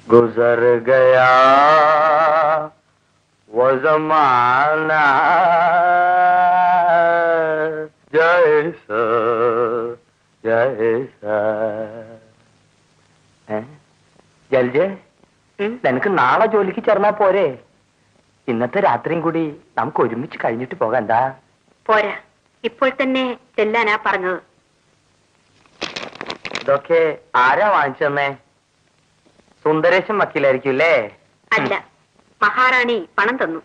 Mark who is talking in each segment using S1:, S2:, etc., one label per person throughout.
S1: गुजर गया वो जमाना जैसा जैसा ജൽജെ നിനക്ക് നാളെ ജോലിക്ക് ചേർന്നാ പോരെ? ഇന്നത്തെ രാത്രിയും കൂടി നമുക്ക് ഒരുമിച്ച് കഴിഞ്ഞിട്ട് പോകാം. എന്താ?
S2: പോരാ, ഇപ്പോൾ തന്നെ ചെല്ലാനാ പറഞ്ഞത്.
S1: ഇതൊക്കെ ആരാ വാങ്ങിച്ചെന്നേ? സുന്ദരേശൻ വക്കീലായിരിക്കും അല്ലേ?
S2: അല്ല, മഹാറാണി പണം തന്നു.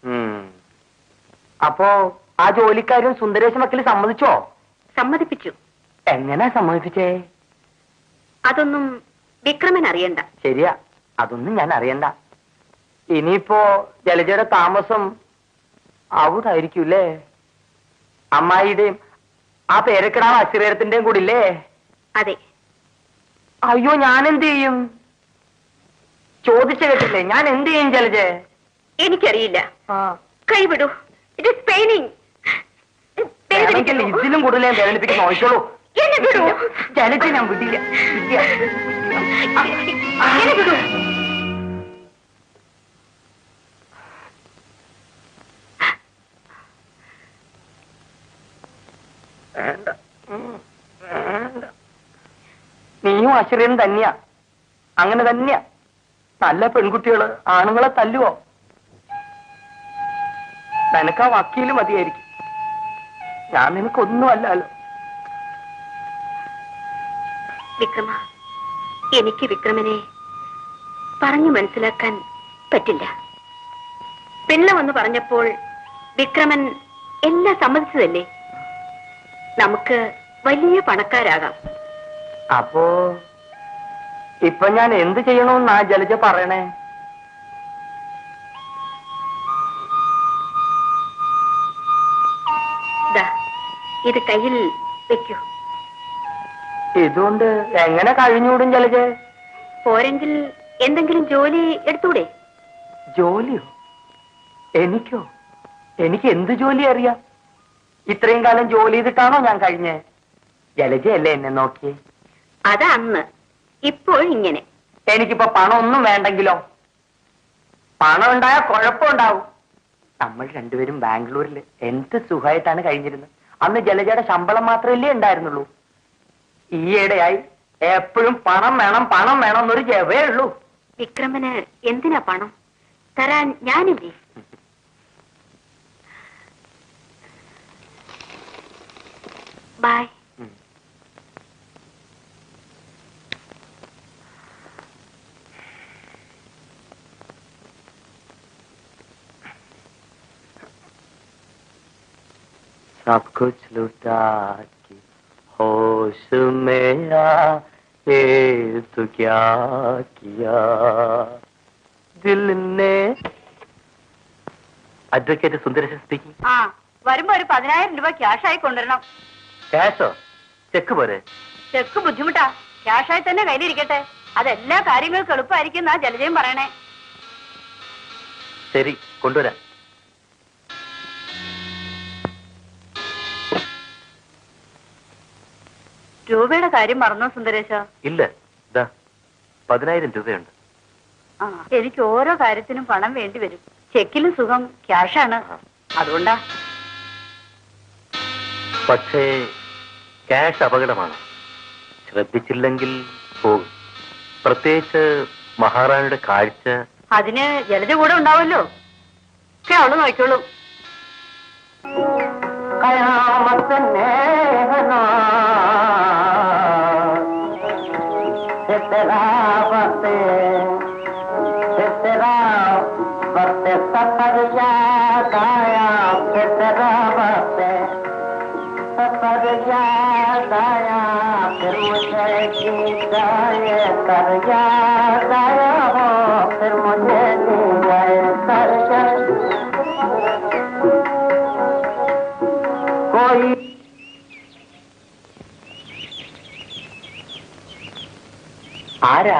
S1: അപ്പോ ആ ജോലിക്കാരും സുന്ദരേശൻ വക്കീൽ സമ്മതിച്ചോ?
S2: സമ്മതിപ്പിച്ചു.
S1: എങ്ങനെ സമ്മതിപ്പിച്ചേ?
S2: അതൊന്നും വിക്രമൻ അറിയണ്ട.
S1: ശരിയാ, അതൊന്നും ഞാൻ അറിയണ്ട. ഇനിയിപ്പോ ജലജയുടെ താമസം അവിടായിരിക്കൂല്ലേ? അമ്മായിയുടെയും ആ പേരക്കിടാവ് അശ്രീരത്തിന്റെയും കൂടി ഇല്ലേ?
S2: അതെ.
S1: അയ്യോ, ഞാൻ എന്ത് ചെയ്യും? ചോദിച്ചു കേട്ടില്ലേ? ഞാൻ എന്ത് ചെയ്യും ജലജെ?
S2: എനിക്കറിയില്ല. കൈവിടൂ. It is paining.
S1: ഇതിലും കൂടുതൽ ഞാൻ വേദനിപ്പിക്കാൻ നോക്കിക്കോളൂ. ജലജെ ഞാൻ വിടില്ല. നീയും അശ്വര്യനും തന്നെയാ. അങ്ങനെ തന്നെയാ. നല്ല പെൺകുട്ടികള് ആണുങ്ങളെ തല്ലുവോ? നിനക്ക് ആ വക്കീല് മതിയായിരിക്കും. ഞാൻ നിനക്കൊന്നും അല്ലല്ലോ.
S2: വിക്രമ, എനിക്ക് വിക്രമനെ പറഞ്ഞു മനസ്സിലാക്കാൻ പറ്റില്ല. പെണ്ണ് വന്ന് പറഞ്ഞപ്പോൾ വിക്രമൻ എല്ലാം സമ്മതിച്ചതല്ലേ? നമുക്ക് വലിയ പണക്കാരാകാം.
S1: അപ്പോ ഇപ്പൊ ഞാൻ എന്ത് ചെയ്യണമെന്നാ ജലജ പറയണേ?
S2: ഇത് കയ്യിൽ വെക്കൂ.
S1: ഇതുകൊണ്ട് എങ്ങനെ കഴിഞ്ഞൂടും ജലജെ?
S2: പോരെങ്കിൽ എന്തെങ്കിലും ജോലി എടുത്തൂടെ?
S1: ജോലിയോ? എനിക്കോ? എനിക്ക് എന്ത് ജോലി അറിയാം? ഇത്രയും കാലം ജോലി ചെയ്തിട്ടാണോ ഞാൻ കഴിഞ്ഞേ? ജലജയല്ലേ എന്നെ നോക്കിയേ?
S2: അതാ അന്ന്. ഇപ്പോൾ ഇങ്ങനെ.
S1: എനിക്കിപ്പോ പണം ഒന്നും വേണ്ടെങ്കിലോ? പണം ഉണ്ടായാൽ കുഴപ്പമുണ്ടാവും. നമ്മൾ രണ്ടുപേരും ബാംഗ്ലൂരിൽ എന്ത് സുഖമായിട്ടാണ് കഴിഞ്ഞിരുന്നത്. അന്ന് ജലജയുടെ ശമ്പളം മാത്രമല്ലേ ഉണ്ടായിരുന്നുള്ളൂ. ഈയിടെയായി എപ്പോഴും പണം വേണം പണം വേണം എന്നൊരു ജവേ ഉള്ളൂ.
S2: വിക്രമന് എന്തിനാ പണം? തരാൻ ഞാനില്ലേ? ബൈ.
S1: सब कुछ लुटा के होश में आए तो क्या किया दिल ने. Advocate Sundaresan speaking.
S2: വരുമ്പോ ഒരു 10,000 രൂപ ക്യാഷായി കൊണ്ടുവരണം.
S1: ക്യാഷോ? ചെക്ക് പോരെ?
S2: ചെക്ക് ബുദ്ധിമുട്ടാ. ക്യാഷായി തന്നെ കയ്യിലിരിക്കട്ടെ. അതെല്ലാ കാര്യങ്ങൾക്കും എളുപ്പമായിരിക്കും എന്നാ ജലജയും പറയണേ.
S1: ശരി, കൊണ്ടുവരാം.
S2: രൂപയുടെ കാര്യം മറന്നോ സുന്ദരേശ?
S1: ഇല്ല, 10,000 രൂപയുണ്ട്.
S2: എനിക്ക് ഓരോ കാര്യത്തിനും പണം വേണ്ടി വരും. ചെക്കിലും സുഖം ക്യാഷാണ്. അതുകൊണ്ടാ.
S1: പക്ഷേ ക്യാഷ് അപകടമാണ്. ശ്രദ്ധിച്ചില്ലെങ്കിൽ പോകും. പ്രത്യേകിച്ച് മഹാറാണിയുടെ കാഴ്ച.
S2: അതിന് ജലജ കൂടെ ഉണ്ടാവല്ലോ. ഒക്കെ അവള് നോക്കിക്കോളൂ.
S1: सफर याद आया तेरा वक्त, सफर याद आया फिर मुझे जीत गए कर याद आया हो फिर मुझे जीत गए कर कोई. ആരാ?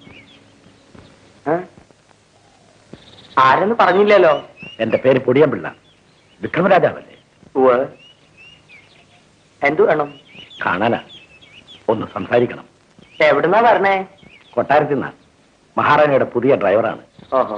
S1: ആരെന്ന് പറഞ്ഞില്ലല്ലോ.
S3: എന്റെ പേര് പൊടിയമ്പിള്ള. വിക്രമരാജാവല്ലേ?
S1: എന്തു വേണം?
S3: കാണാനാ. ഒന്ന് സംസാരിക്കണം.
S1: എവിടുന്നാ പറഞ്ഞേ?
S3: കൊട്ടാരത്തിൽ നിന്നാ. മഹാറാണിയുടെ പുതിയ ഡ്രൈവറാണ്.
S1: ഓഹോ.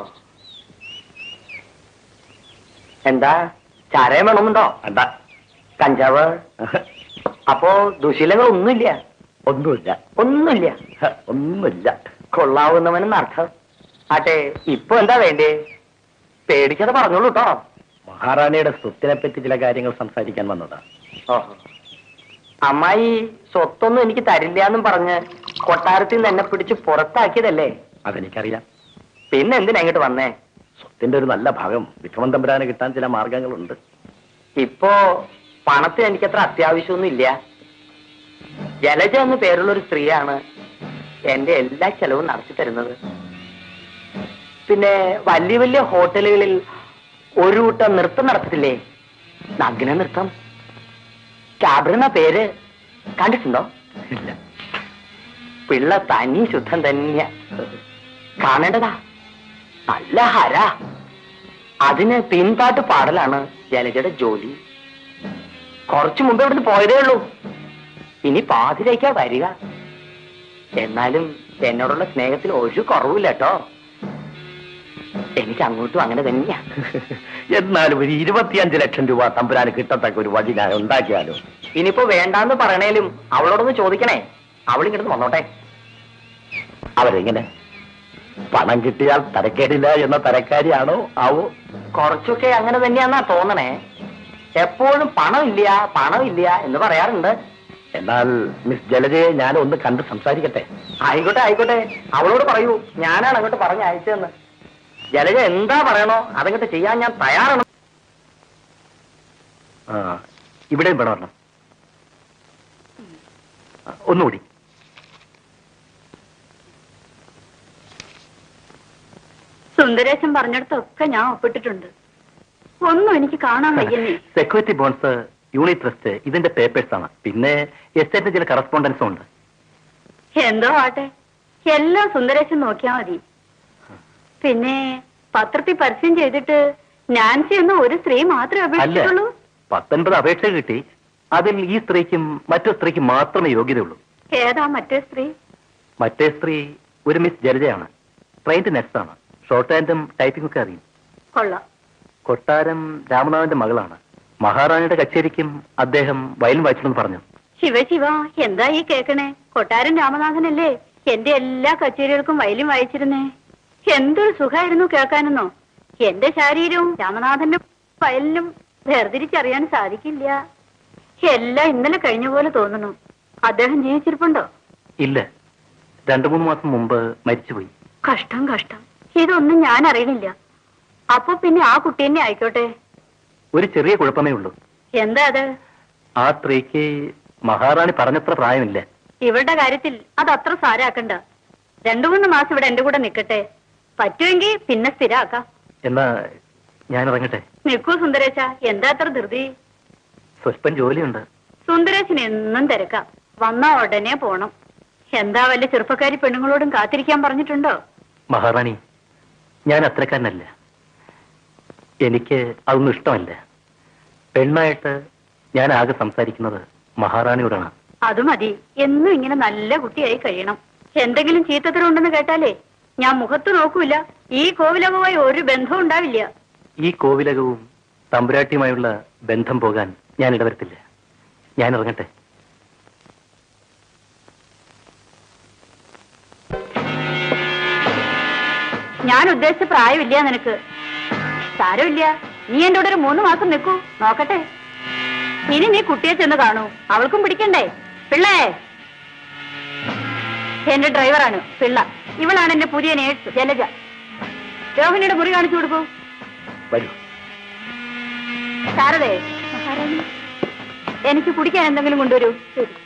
S1: എന്താ ചാരയം വേണമെന്നുണ്ടോ?
S3: എന്താ
S1: കഞ്ചാവ്? അപ്പോ ദുശീലങ്ങളൊന്നുമില്ല?
S3: ഒന്നുമില്ല.
S1: ഒന്നുമില്ല.
S3: ഒന്നുമില്ല.
S1: കൊള്ളാവുന്നവനെന്ന് അർത്ഥം. ആട്ടെ, ഇപ്പൊ എന്താ വേണ്ടേ? പേടിക്കാതെ പറഞ്ഞോളൂ കേട്ടോ.
S3: മഹാറാണിയുടെ സ്വത്തിനെ പറ്റി ചില കാര്യങ്ങൾ സംസാരിക്കാൻ വന്നതാ.
S1: ഓഹോ. അമ്മായി സ്വത്തൊന്നും എനിക്ക് തരില്ല എന്നും പറഞ്ഞ് കൊട്ടാരത്തിൽ നിന്ന് എന്നെ പിടിച്ച് പുറത്താക്കിയതല്ലേ?
S3: അതെനിക്കറിയാം.
S1: പിന്നെ എന്തിനാ ഇങ്ങോട്ട് വന്നേ?
S3: സ്വത്തിന്റെ ഒരു നല്ല ഭാഗം വിക്രമൻ തമ്പുരാന് കിട്ടാൻ ചില മാർഗങ്ങളുണ്ട്.
S1: ഇപ്പോ പണത്തിന് എനിക്കത്ര അത്യാവശ്യമൊന്നും ഇല്ല. ജലജ എന്ന് പേരുള്ള ഒരു സ്ത്രീയാണ് എന്റെ എല്ലാ ചെലവും നടത്തി തരുന്നത്. പിന്നെ വലിയ വലിയ ഹോട്ടലുകളിൽ ഒരു കൂട്ടം നൃത്തം നടത്തില്ലേ? നഗ്ന നൃത്തം. ക്യാബ്രെന്ന പേര് കണ്ടിട്ടുണ്ടോ?
S3: ഇല്ല.
S1: പിള്ള തനി ശുദ്ധം തന്നെയാ. കാണേണ്ടതാ. നല്ല ഹര. അതിന് പിൻപാട്ട് പാടലാണ് ജലജയുടെ ജോലി. കുറച്ചു മുമ്പ് ഇവിടുന്ന് പോയതേ ഉള്ളൂ. ഇനി പാതിരേക്കാ വരിക. എന്നാലും എന്നോടുള്ള സ്നേഹത്തിന് ഒരു കുറവില്ല കേട്ടോ. എനിക്ക് അങ്ങോട്ടും അങ്ങനെ തന്നെയാ.
S3: എന്നാലും ഒരു 25 ലക്ഷം രൂപ തമ്പുരാന് കിട്ടത്തക്ക ഒരു വഴി ഞാൻ ഉണ്ടാക്കിയാലോ?
S1: ഇനിയിപ്പോ വേണ്ടാന്ന് പറയണേലും അവളോടൊന്ന് ചോദിക്കണേ. അവളിങ്ങോട്ട് വന്നോട്ടെ.
S3: അവരെങ്ങനെ? പണം കിട്ടിയാൽ തരക്കേടില്ല എന്ന തരക്കാരിയാണോ ആവോ?
S1: കുറച്ചൊക്കെ അങ്ങനെ തന്നെയാന്നാ തോന്നണേ. എപ്പോഴും പണമില്ല എന്ന് പറയാറുണ്ട്.
S3: എന്നാൽ മിസ് ജലജയെ ഞാൻ ഒന്ന് കണ്ട് സംസാരിക്കട്ടെ?
S1: ആയിക്കോട്ടെ. അവളോട് പറയൂ ഞാനാണ് അങ്ങോട്ട് പറഞ്ഞ് അയച്ചതെന്ന്. ജലജ എന്താ പറയണോ അതങ്ങോട്ട് ചെയ്യാൻ ഞാൻ തയ്യാറാണ്.
S3: ഇവിടെയും വേണം. ഒന്നുകൂടി.
S2: സുന്ദരേശൻ പറഞ്ഞിടത്തൊക്കെ ഞാൻ ഒപ്പിട്ടിട്ടുണ്ട്. ഒന്നും എനിക്ക് കാണാൻ വയ്യന്നേ.
S3: സെക്യൂരിറ്റി ബോൺസ്, യൂണിറ്റ് ട്രസ്റ്റ്, ഇതിന്റെ പേപ്പേഴ്സ് ആണ്. പിന്നെ എസ്റ്റേറ്റിന് ചില കറസ്പോണ്ടൻസും ഉണ്ട്.
S2: എന്തോ ആട്ടെ, എല്ലാം സുന്ദരേശൻ നോക്കിയാ മതി. പിന്നെ പത്രത്തിൽ പരസ്യം ചെയ്തിട്ട് നാൻസി എന്ന ഒരു സ്ത്രീ മാത്രമേ അപേക്ഷിച്ചുള്ളൂ.
S3: 19 അപേക്ഷ കിട്ടി. അതിൽ ഈ സ്ത്രീക്കും മറ്റു സ്ത്രീക്കും മാത്രമേ യോഗ്യതയുള്ളൂ.
S2: ഏതാ മറ്റേ സ്ത്രീ?
S3: മറ്റേ സ്ത്രീ ഒരു മിസ് ജലജയാണ്. Trained next. ഷോർട്ട് ഹാൻഡും ടൈപ്പിംഗ് ഒക്കെ അറിയും.
S2: കൊള്ളാം.
S3: കൊട്ടാരം രാമനാഥന്റെ മകളാണ്. മഹാറാണിയുടെ കച്ചേരിക്കും അദ്ദേഹം വയലിൻ വായിച്ചെന്ന് പറഞ്ഞു.
S2: ശിവ, എന്താ ഈ കേക്കണേ? കൊട്ടാരൻ രാമനാഥനല്ലേ എന്റെ എല്ലാ കച്ചേരികൾക്കും വയലിൻ വായിച്ചിരുന്നേ. എന്തൊരു സുഖമായിരുന്നു കേൾക്കാനെന്നോ. എന്റെ ശരീരവും രാമനാഥന്റെ വയലിനും വേർതിരിച്ചറിയാൻ സാധിക്കില്ല. എല്ലാം ഇന്നലെ കഴിഞ്ഞ പോലെ തോന്നുന്നു. അദ്ദേഹം ജീവിച്ചിരിപ്പുണ്ടോ?
S3: ഇല്ല, 2-3 മാസം മുമ്പ് മരിച്ചുപോയി.
S2: കഷ്ടം. ഇതൊന്നും ഞാൻ അറിയണില്ല. അപ്പൊ പിന്നെ ആ കുട്ടി തന്നെ ആയിക്കോട്ടെ.
S3: ഒരു ചെറിയ കുഴപ്പമേ ഉള്ളൂ.
S2: എന്താ അത്?
S3: ആ സ്ത്രീക്ക് മഹാറാണി പറഞ്ഞത്ര പ്രായമില്ല.
S2: ഇവരുടെ കാര്യത്തിൽ അത് അത്ര സാരാക്കണ്ട. 2-3 മാസം ഇവിടെ എന്റെ കൂടെ നിൽക്കട്ടെ. പറ്റുമെങ്കിൽ പിന്നെ സ്ഥിരാക്കാം.
S3: എന്നാ ഞാൻ ഇറങ്ങട്ടെ?
S2: നിൽക്കൂ സുന്ദരേശ, എന്താ അത്ര ധൃതി?
S3: സ്വല്പം ജോലിയുണ്ട്.
S2: സുന്ദരേശന് എന്നും തിരക്കാം. വന്നാ ഉടനെ പോണം. എന്താ വല്ല ചെറുപ്പക്കാരി പെണ്ണുങ്ങളോടും കാത്തിരിക്കാൻ പറഞ്ഞിട്ടുണ്ടോ?
S3: മഹാറാണി, ഞാൻ അത്രക്കാരനല്ല. എനിക്ക് അതൊന്നും ഇഷ്ടമല്ല. പെണ്ണായിട്ട് ഞാൻ ആകെ സംസാരിക്കുന്നത് മഹാറാണിയോടാണ്.
S2: അത് മതി. എന്നും ഇങ്ങനെ നല്ല കുട്ടിയായി കഴിയണം. എന്തെങ്കിലും ചീത്തത്തരം ഉണ്ടെന്ന് കേട്ടാലേ ഞാൻ മുഖത്ത് നോക്കൂല. ഈ കോവിലകവുമായി ഒരു ബന്ധവും ഉണ്ടാവില്ല.
S3: ഈ കോവിലകവും തമ്പുരാട്ടിയുമായുള്ള ബന്ധം പോകാൻ ഞാൻ ഇടവരുത്തില്ല. ഞാൻ ഇറങ്ങട്ടെ?
S2: ഞാൻ ഉദ്ദേശിച്ച പ്രായമില്ല നിനക്ക്. സാരമില്ല, നീ എന്റെ കൂടെ ഒരു 3 മാസം നിൽക്കൂ, നോക്കട്ടെ. ഇനി നീ കുട്ടിയെ ചെന്ന് കാണൂ. അവൾക്കും പിടിക്കണ്ടേ? പിള്ളേ, എന്റെ ഡ്രൈവറാണ് പിള്ള. ഇവളാണ് എന്റെ പുതിയ നേഴ്സ് ജലജ. രോഹിണിയുടെ മുറി കാണിച്ചു കൊടുക്കൂ.
S3: വരൂ.
S2: ശാരദേ, എനിക്ക് കുടിക്കാൻ എന്തെങ്കിലും കൊണ്ടുവരൂ. ശരി.